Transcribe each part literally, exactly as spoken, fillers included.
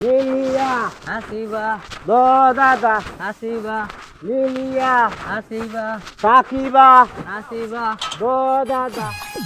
Lilia হাসিবা দো দাদা হাসিবা Lilia হাসিবা Sakiba হাসিবা দো দাদা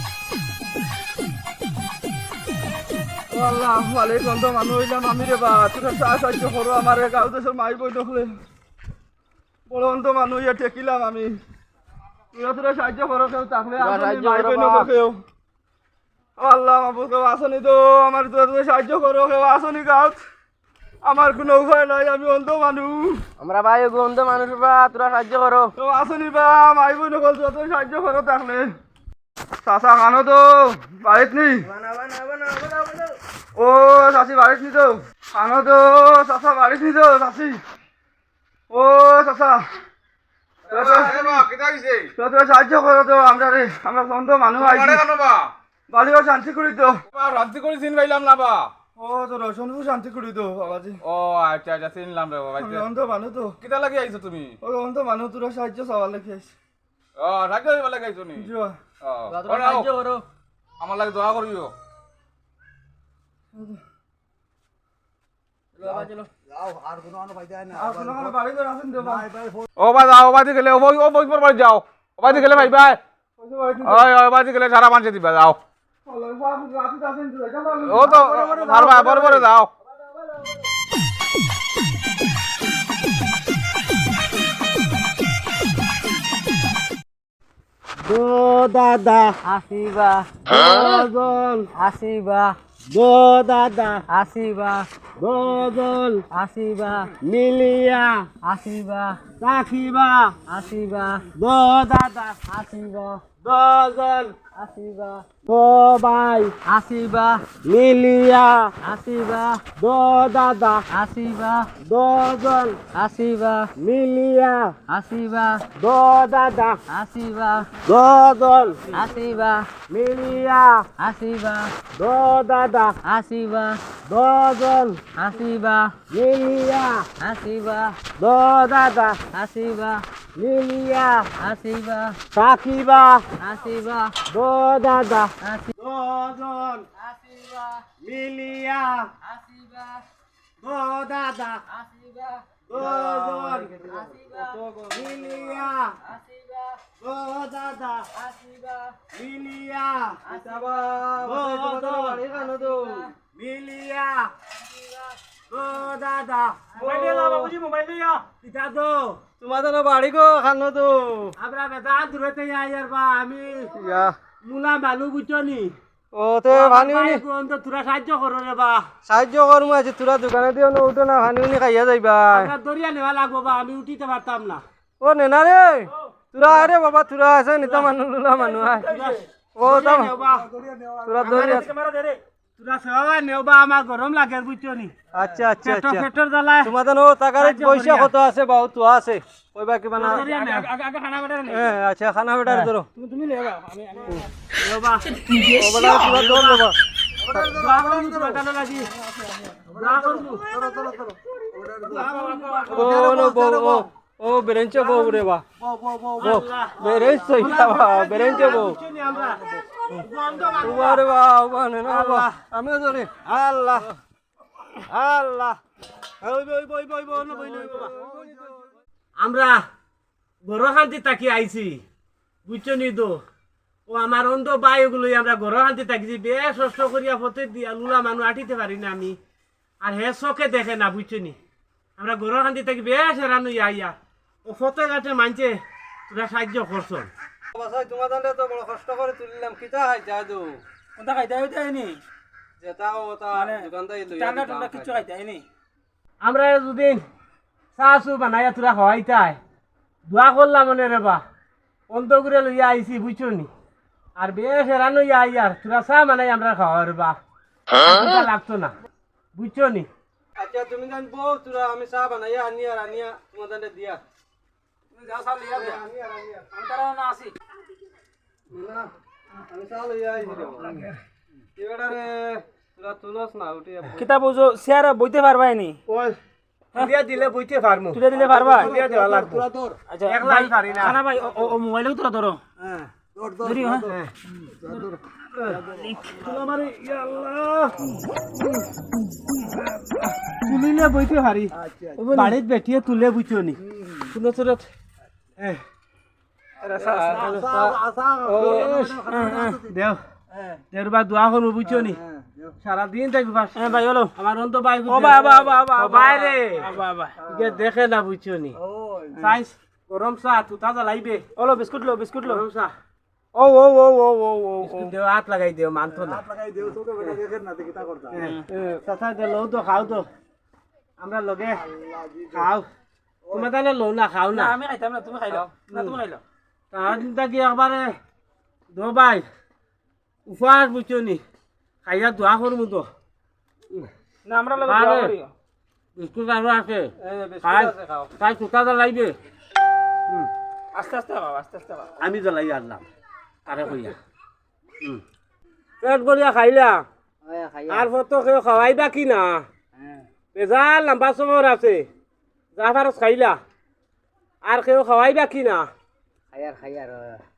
আল্লাহু আলাইকুম তো মানুষ হইলাম আমি রে বা তোরা সাহায্য করো আমার গাঁও দেশের মাই বই দেখলে বড় অন্ত মানুষ ইয়া ঠেকিলাম আমি তোরা তোরা সাহায্য করো কেউ থাকলে মাই বই নকর কেউ আল্লাহ মাবুদ কেউ আসনি তো আমার তোরা তোরা সাহায্য করো কেউ আসনি গাঁত আমার কোনো উপায় নাই আমি অন্ত মানুষ আমরা ভাই গন্ধ মানুষ বা তোরা সাহায্য করো কেউ আসনি বা মাই বই নকল তোরা তোরা সাহায্য করো থাকলে চাচা খানো তো বাড়িত নি ও চাচি বাড়িত নি তো খানো তো চাচা বাড়িত নি তো চাচি ও চাচা সাহায্য করো তো আমরা রে আমরা সন্ত মানুষ বাড়িও শান্তি করি তো শান্তি করে চিন পাইলাম না বা ও তো রসনপুর শান্তি করি তো বাবাজি ও আচ্ছা আচ্ছা চিনলাম রে বাবা আমি অন্ত মানুষ তো কিতা লাগি আইছো তুমি ওই অন্ত মানুষ তোরা সাহায্য চাওয়ার লেগে আইছি ও সাহায্য হইবা লাগি আইছো নি জুয়া ও সাহায্য করো আমার লাগে দোয়া করিও আর কোনো কোনো বাড়ি করে আসেন তো ভাই ও ভাই যাও বাদি গেলে ও ও বই পর বাড়ি যাও ও বাদি গেলে ভাই ভাই ওই ওই বাদি গেলে সারা মানুষ দিবা যাও ও তো মারবা বড় বড় যাও দো দাদা হাসিবা দোজন হাসিবা দো দাদা হাসিবা দোজন হাসিবা লিলিয়া হাসিবা সাকিবা হাসিবা দো দাদা হাসিবা দোজন হাসিবা দো ভাই হাসিবা লিলিয়া হাসিবা দো দাদা হাসিবা দোজন হাসিবা লিলিয়া হাসিবা দো দাদা হাসিবা দোজন হাসিবা লিলিয়া হাসিবা দো দাদা হাসিবা দোজন হাসিবা লিলিয়া হাসিবা দো দাদা হাসিবা লিলিয়া হাসিবা সাকিবা হাসিবা দো দাদা হাসি দোজন হাসিবা লিলিয়া হাসিবা দো দাদা হাসিবা দোজন হাসিবা লিলিয়া হাসিবা দো দাদা হাসিবা লিলিয়া মোবাইল লিলিয়া দো দাদা বাবুজি মোবাইল দিয়া পিতা দো তোমাদের বাড়ি গো খানো তো আমরা বেটা দূরতে আইয়ার বা আমি ইয়া মুলা মানুষ বুঝছনি ও তে ভানি তোরা সাহায্য করো রে বা সাহায্য করমু আছে তোরা দোকানে দিও না উঠো না ভানি উনি খাইয়া যাইবা আমরা দরিয়া নেওয়া লাগবো বা আমি উঠিতে পারতাম না ও নেনা রে তোরা আরে বাবা তোরা আছে নিতা মানুষ লুলা মানুষ আয় ও তাম তোরা দরিয়া তোরা সেবা নেও বা আমার গরম লাগে বুঝছনি আচ্ছা আচ্ছা পেট্রোল আচ্ছা পেট্রোল জ্বালায় তোমাদের ও টাকার পয়সা কত আছে বাউ তো আছে কইবা কি বানা দরিয়া নেও হ্যাঁ আচ্ছা খানা বেটার ধরো তুমি নেও আমি নেও বা ও বলা তোরা দৌড় দেবা দোয়া করবো তোরা কানে লাগি দোয়া করবো ও নো বো ও ও বেরেঞ্চে বো রে বা বো বেরেঞ্চ সইতা বা বেরেঞ্চে বো বুঝছনি আমরা বন্ধ মানুষ ওরে বা বা না বা আমিও ধরে আল্লাহ আল্লাহ ওই বই বই বই বই না বই লই বাবা আমরা গরো শান্তি তাকি আইছি বুঝছনি তো ও আমার অন্ধ বায়ুগুলো আমরা গরো শান্তি তাকিছি বেশ কষ্ট করিয়া ফতে দিয়া লুলা মানুষ আটিতে পারি না আমি আর হে চোখে দেখে না বুঝছনি আমরা গরো শান্তি তাকি বেশ হেরানো ইয়া ও ফতে গাছে মানছে তোরা সাহায্য করছ বাসাই তোমাদের তো বড় কষ্ট করে তুলিলাম কিতা খাই জাদু কোনটা খাইতে হইতে হয়নি যেটা ওটা দোকানদাই লই ঠান্ডা ঠান্ডা কিছু খাইতে হয়নি আমরা দুদিন চা চু বানাইয়া তোরা হওয়াইতাই দোয়া করলাম মনে রে বা অন্তগুড়ে লইয়া আইছি বুঝছো নি আর বেশ এরানো ইয়া আইয়ার তোরা চা বানাই আমরা খাওয়া রে বা লাগতো না বুঝছো নি আচ্ছা তুমি জান বউ তোরা আমি চা বানাইয়া আনি আর আনিয়া তোমাদের দিয়া তুমি যাও চা লইয়া দিয়া আনি আর আনিয়া আমি তারা না আসি না আমি চা লইয়া আইছি এবারে রে তোরা তুলস না উঠি কিতা বুঝো চেয়ার বইতে পারবাই নি ওই দিয়া দিলে বইতে পারমু তুলে দিলে পারবা দিয়া দেওয়া লাগবে তোরা তোর আচ্ছা একলাই পারি না খানা ভাই ও মোবাইলেও তোরা ধরো হ্যাঁ দৌড় দৌড় ধরি হ্যাঁ দৌড় আমারে ইয়া আল্লাহ তুলিলে বইতে হারি বাড়িত বেঠিয়ে তুলে বুঝছো নি কোনো চৰত দেও দেওর বা দোয়া করবো বুঝছো নি সারাদিন থাকবি ভাই হলো আমার অন্ত ভাই বাইরে দেখে না বুঝছো নি সাইজ গরম চা তুতা জ্বালাইবে ওলো বিস্কুট লো বিস্কুট লো গরম চা ও ও ও ও ও ও দেও হাত লাগাই দেও মানতো না কথা দে লো তো খাও তো আমরা লগে খাও তোমার তাহলে লো না খাও না আমি খাইতাম না তুমি খাইলো না তুমি খাইলো তাহার চিন্তা কি একবারে দো ভাই উপহার বুঝছো নি খাইয়া দোয়া করবো তো না আমরা লগে আরে, দোয়া করি বিস্কুট আরো আছে এই বিস্কুট খাই আছে খাও তাই তুতা জ্বালাইবে আস্তে আস্তে খাও আস্তে আস্তে খাও আমি জ্বালাই আনলাম তারে কইয়া পেট করিয়া খাইলা আর ফটো কেউ খাওয়াইবা কি না বেজাল লম্বা সময় আছে যা ফারস খাইলা আর কেউ খাওয়াইবা কি না খায়ার খায়ার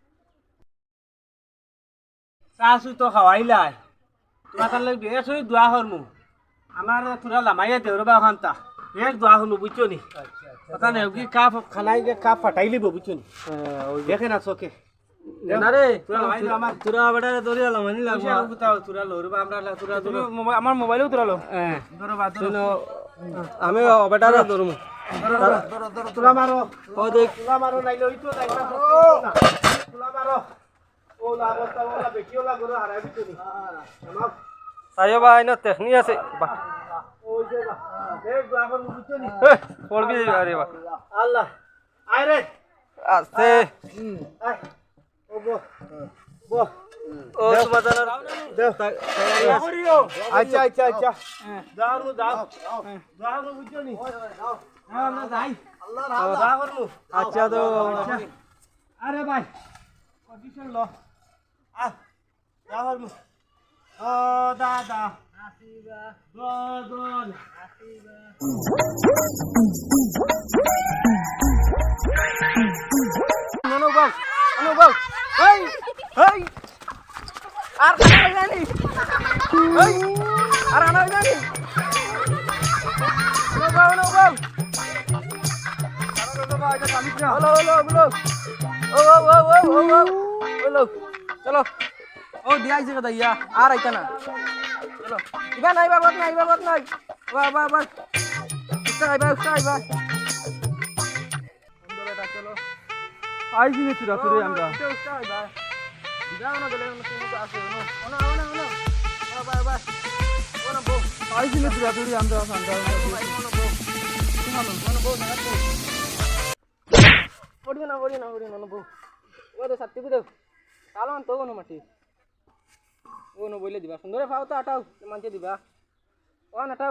চাচু তো খাওয়াইলাই তোমার তার লাগে বেশ হয়ে দোয়া করমু আমার তোরা লামাইয়া দেওরবা ওখানটা বেশ দোয়া করমু বুঝছো নি কথা নেই কি কাপ খানাই যে কাপ ফাটাই লিব বুঝছো নি দেখে না চোখে না রে তোরা লামাই দিও আমার তোরা বেটা দরিয়া লামানি লাগবে পয়সা কোথাও তোরা লড়বা আমরা লা- তোরা তুমি ধরো মোবাইল আমার মোবাইলেও তোরালো হ্যাঁ ধরবা ধরো আমি বেটা ধরমু তোরা মারো ও দেখ তোরা মারো নাইলে ওই তো নাইলে তোরা মারো ও লা বস্তা ওলা বেকিও লা গরো হারাবি তুমি আমার সাইও ভাই না টেকনি আছে বাহ ওই যে বা দেখ দোয়া করমু বুঝছো নি এ পড়বি আরে বাহ আল্লাহ আয় রে আস্তে আয় ও বো বো ও সুবাদার দেখ আচ্ছা আচ্ছা আচ্ছা দাও নু দাও দাও নু বুঝছো নি হ্যাঁ না যাই আল্লাহ রাম দাও করমু আচ্ছা তো আরে ভাই পজিশন লো আ দাও করমু ও দাদা আসিবা দদন আসিবা অনুভব অনুভব এই এই আর খানা জানি এই আর খানা জানি অনুভব অনুভব হলো হলো হলো ও ও ও ও ও ও হলো চলো ও দিয়াই যে কথা ইয়া আর আইতা না চলো ইবা নাই বাবত নাই বাবত নাই বা বা বা উস্তা আইবা উস্তা আইবা চলো আইছি নি তুরা তুরে আমরা উস্তা আইবা দিদা না গলে না তুমি তো আসো না ওনা ওনা ওনা বা বা বা ওনা বো আইছি নি তুরা তুরে আমরা সান্ডা ওনা বো ওনা বো না বো পড়ি না পড়ি না পড়ি না বো ও তো সত্যি কই দাও কালো আন তো ওনা মাটি ও নো বইলে দিবা সুন্দরে ফাও তো আটাও মানতে দিবা ও নাটাও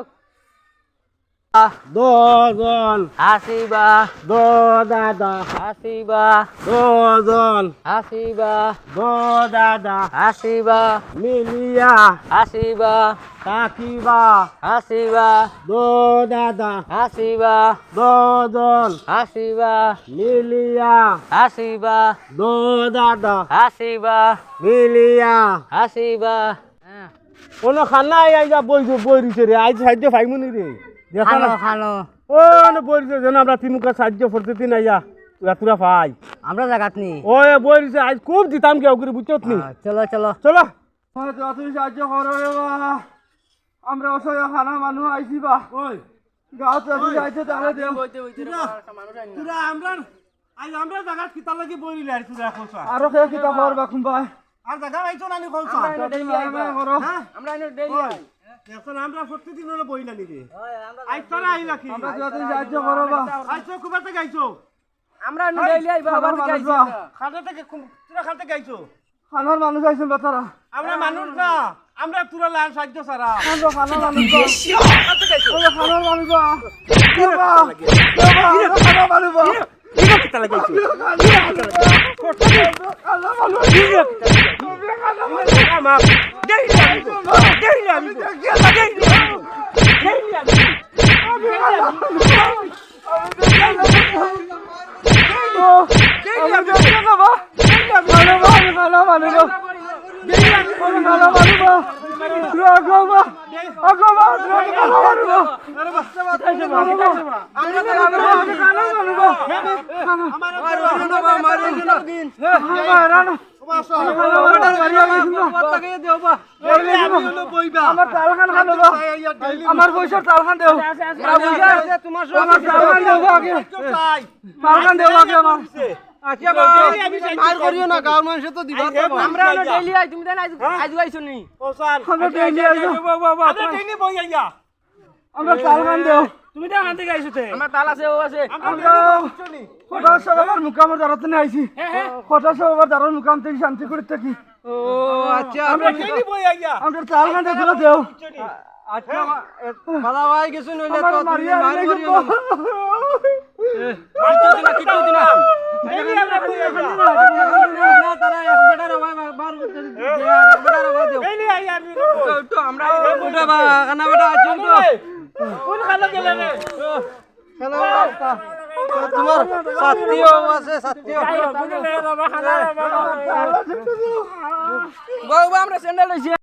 দজন হাসিবা দো দাদা হাসিবা দজন হাসিবা দো দাদা হাসিবা মিলিয়া হাসিবা কাকিবা হাসিবা দো দাদা হাসিবা দজন হাসিবা মিলিয়া হাসিবা দো দাদা হাসিবা মিলিয়া হাসিবা কোনো খানা আই যা বই বই রিছে রে আজ সাহায্য পাইমুনি রে দেখা না খালো ও না বই রিছে যেন আমরা তিনুকা সাহায্য করতে তিন আইয়া তুরা তুরা পাই আমরা জাগাত নি ওই বই রিছে আজ খুব দিতাম কি ওগুরি বুঝছত নি চলো চলো চলো তুমি সাহায্য করো রে বা আমরা অসহায় খানা মানুষ আইছি বা ওই গাঁত যদি আইছে তাহলে দেও তুরা আমরা আজ আমরা জায়গা কিতা লাগি বই রিলে আর তুরা কোসা আরো খেয়ে কিতা করবা কুম্বাই আর জায়গা আইছো না নি কোসা করো আমরা এনে ডেইলি আই এখন আমরা প্রতিদিন হলো বই না নিবে আজ তোরা আই নাকি আমরা যদি সাহায্য করো বা আইছো কুবা থেকে আইছো আমরা এনে ডেইলি আই বাবা খানার থেকে মানুষ আইছি বা খাতে থেকে তুরা খাতে গাইছো খানার মানুষ আইছেন বেচারা আমরা মানুষ না আমরা তুরা লাল সাহায্য সারা আমরা খানার মানুষ বা আমরা খানার মানুষ বা কে বা কে বা আমরা খানার মানুষ বা কিতা লাগাইছো খানার মানুষ আমার দেই আমি দেই আমি খানা মানুষ আমার পয়সার তালখান দেও তোমার আমার তালখান দেও আগে তালখান দেও আগে আমার আচ্ছা মার করিও না গাঁর মানুষ তো দিবা আমরা ডেইলি আই তুমি দেন আজ আজ আইছো নি আমরা ডেইলি আইছো আমরা ট্রেনে বই আইয়া আমরা তালখান দেও তুমি তো আনতে গাইছো তে আমার তাল আছে ও আছে আমরা কটা সবার মুকামের দাঁড়াতে না আইছি কটা সবার দাঁড়ার মুকাম থেকে শান্তি করে থাকি ও আচ্ছা আমরা ট্রেনে বই আইয়া আমরা তালখান দেও দেও আচ্ছা ভালো ভাই কিছু নইলে আমার তো তুমি মারিয়া মার নাই করিও গো। না মারতো দিনা কিটো দিনা ট্রেনে আমরা বই আইয়া না তারা এক বেটার ভাই বার এক বেটার ভাই দেও ট্রেনে আইয়া আমি তো আমরা ওটা বা কানা বেটা আছো তো কোন খানা গেলে রে কানা বেটা তোমার সাথীও আছে সাথীও বাবা আমরা স্যান্ডেল লইছি